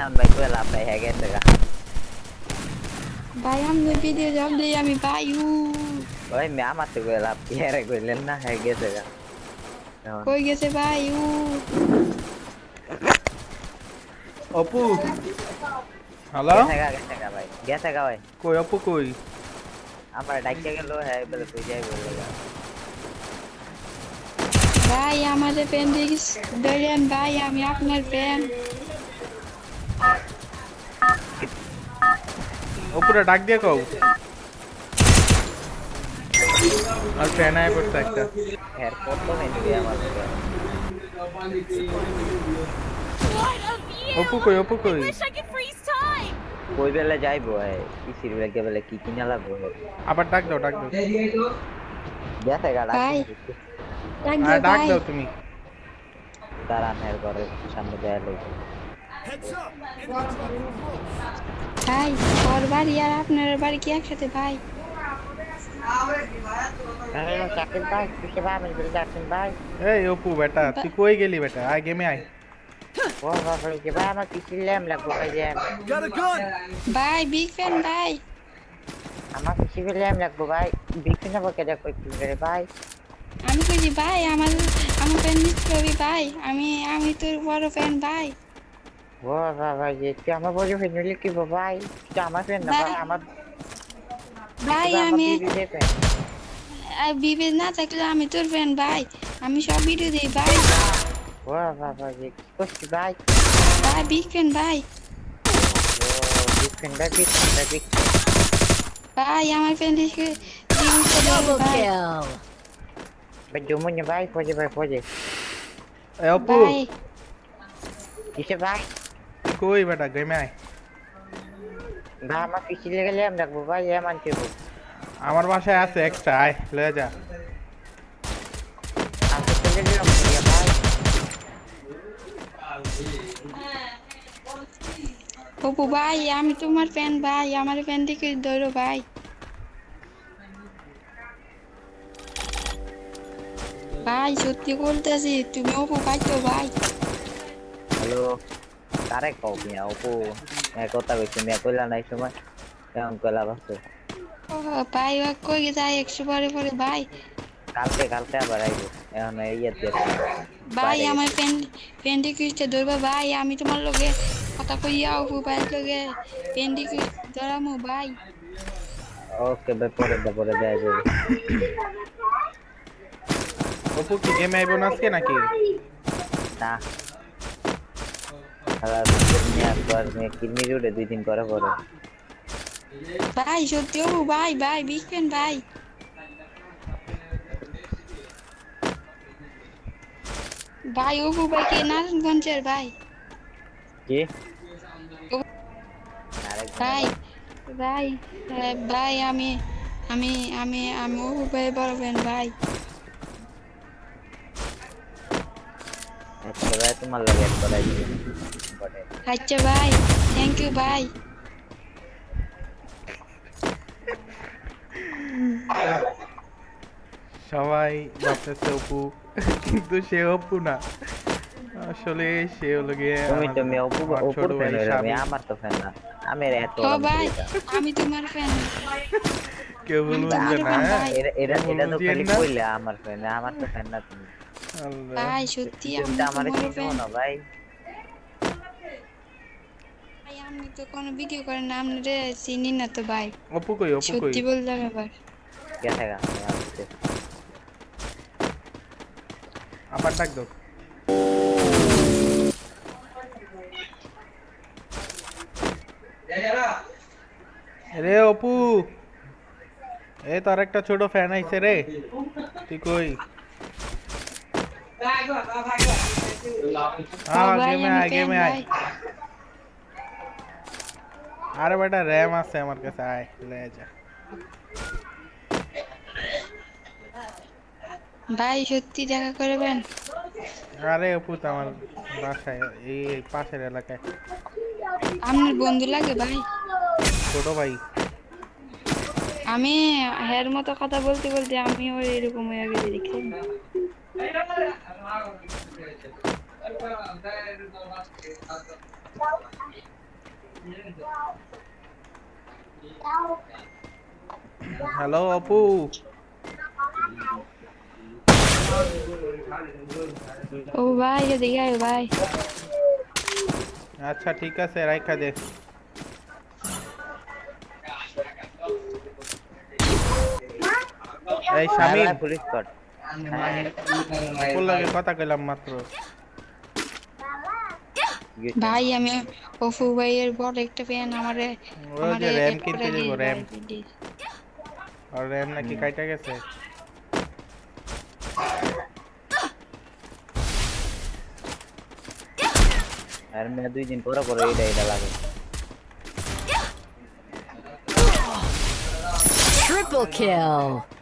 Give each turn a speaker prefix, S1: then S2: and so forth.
S1: এখন ভাই কই লাভ নাই হ্যাঁ গেছে গা
S2: ভাই আমি ভিডিও জব দিই আমি ভাই
S1: ভাই মে আমার তো কই লাভ কি আরে কইলেন না হ্যাঁ গেছে গা এখন
S2: কই গেছে ভাই
S3: অপু হ্যালো
S1: গেছে গা ভাই গেছে গা ভাই
S3: কই অপু কই
S1: আমার ডাইকে গেল হ্যাঁ বলে কই যাই বলে গা
S2: ভাই আমাদের ফ্যান দেখিস ধরেন ভাই আমি আপনার ফ্যান
S3: অপুরা ডাক দিয়ে কও আর ফ্যান আয় পড়ছে একটা
S1: হ্যাঁ কত মেনবি আমার
S3: অপু কই অপু কই
S1: কই বেলে যাইবো হ্যাঁ ইসির বেলে বেলে কি কিনা লাগবো
S3: আবার ডাক দাও
S1: গেছে গা
S2: ভাই ডাক
S3: আর
S2: দে
S3: ডাক
S2: ভাই
S3: দাও তুমি
S1: দাঁড়ান হ্যাঁ ঘরের সামনে যায় লইব
S2: ভাই ওর বাড়ি আর আপনার বাড়ি কি একসাথে ভাই
S1: হ্যালো শাকিল ভাই কিসে ভাই আমি বলে যাচ্ছেন ভাই
S3: এই অপু বেটা তুই কই গেলি বেটা আয় গেমে আয়
S1: ও বাবা কি ভাই আমার পিসি ল্যাম লাগবো ভাই যে
S2: ভাই বিগ ফ্যান ভাই
S1: আমার পিসি ল্যাম লাগবো ভাই বিক্রি না বকে দেখো একটু করে ভাই
S2: আমি কইছি ভাই আমার ফ্যান নিচ্ছি ভাই আমি তোর বড় ফ্যান ভাই
S1: ও বাবা যে তুই আমার বড় ফ্যান হলে কি ভাই তুই আমার ফ্যান না ভাই আমার
S2: ভাই
S1: আমি
S2: বিবে না থাকলে আমি তোর ফ্যান ভাই আমি সব ভিডিও দিই ভাই
S1: ও বাবা যে কি করছিস ভাই
S2: ভাই বিগ ফ্যান ভাই
S1: ও বিক্রি
S2: ভাই আমার ফ্যান দেখে ভাই
S1: ভাই জমুন ভাই ফজে
S3: এই অপু
S2: ভাই
S1: কিসে ভাই
S3: কই বেটা গেমে আয়
S1: ভাই আমার পিসি লেগে ল্যাম লাগবো ভাই এমন কি
S3: আমার বাসায় আছে এক্সট্রা আয় লয়ে যা
S1: আমি তো চলে গেলাম ভাই
S2: অপু ভাই আমি তোমার ফ্যান ভাই আমার ফ্যান দেখে ধরো ভাই ভাই সত্যি বলতেছি তুমি অপু ভাই তো ভাই
S1: হ্যালো কারে কও মিয়া অপু কথা কইছি মিয়া কইলা নাই সময় এখন কইলা বাসে
S2: ও ভাই ও কই যায় 100 পরে পরে ভাই
S1: কালকে আবার আইবো এখন ইয়ে দিয়ে
S2: ভাই আমার ফ্যান দেখে ধরবা ভাই আমি তোমার লগে কথা কইয়া অপু ভাই লগে ফ্যান দেখে ধরামু ভাই
S1: ওকে ভাই পরে দেয়া যাবে
S3: অপু কি গেমে আইবো না আজকে নাকি
S1: না খেলা নিয়ে একবার কিডনি রোডে 2 দিন করে পরে
S2: ভাই সত্যি অপু ভাই ভাই বিগ ফ্যান ভাই ভাই অপু ভাই কে নারায়ণগঞ্জের ভাই
S1: কি
S2: ভাই ভাই ভাই আমি অপু ভাই বড় ফ্যান ভাই
S1: আচ্ছা ভাই তোমার লাগে এক করাই দিবেন বটে
S2: আচ্ছা ভাই থ্যাংক ইউ ভাই
S3: সবাই ভাবতেছে অপু কিন্তু সে অপু না আসলে সে হলো গিয়ে
S1: তুমি অপু
S3: আমার ছোট
S1: ফ্যান
S3: ভাই
S1: হইলে আমি
S3: সাবি।
S1: আমার তো ফ্যান না আমি এত
S2: ও ভাই আমি তোমার ফ্যান
S3: কেউ ভুল
S2: আমি
S3: বুঝবে
S2: তোমার
S3: না
S2: fan, ভাই।
S1: এটা
S3: ভুল
S1: তো
S3: বুঝিয়েন
S1: খালি
S3: না।
S1: কইলা আমার ফ্যান আমার তো ফ্যান না তুমি
S3: আল্লাহ।
S2: ভাই সত্যি
S1: তুমি
S2: আমি
S1: তো আমার
S2: তোমার
S1: চিনো
S2: ফ্যান
S1: না ভাই
S2: ভাই আমি তো কোনো ভিডিও করেন না আপনারে চিনি না তো ভাই
S3: অপু কই
S2: সত্যি বললাম এবার
S1: গেছে গা
S3: আবার ডাক দাও রে অপু এ তোর একটা ছোট ফ্যান আইছে রে তুই কই
S2: ভাই
S3: গেমে
S2: আমি
S3: আয়
S2: ফ্যান
S3: গেমে আয়
S2: ভাই
S3: আরে বেটা র্যাম আছে আমার কাছে আয় লয়ে যা
S2: ভাই সত্যি দেখা করবেন
S3: আরে অপু তো আমার বাসায় এই পাশের এলাকায়
S2: আপনার বন্ধু লাগে ভাই
S3: ছোট ভাই
S2: আমি হের মতো কথা বলতে বলতে আমিও এরকম হয়ে গেছি দেখছেন
S3: হ্যালো অপু।
S2: ও ভাই এদিকে আয় ভাই।
S3: আচ্ছা ঠিক আছে, রাইখা দে। এই
S1: হ্যাঁ
S3: শামিম,
S1: ভাই, পুলিশ স্কট। হ্যাঁ,
S3: অপুর লগে কথা কইলাম মাত্র।
S1: কি হইছে?
S2: ভাই আমি অপু ভাইয়ের বড় একটা ফ্যান, আমারে
S3: ও যে র্যাম
S2: এড করে
S3: কিনতে
S2: দিস
S3: যাবো,
S2: ভাই
S3: র্যাম।
S2: প্লিজ।
S3: আর র্যাম নাকি
S1: হুম।
S3: কাইটা গেছে।
S1: আর মেয়ে 2 দিন পরে পরে এটা লাগে।
S4: Triple kill.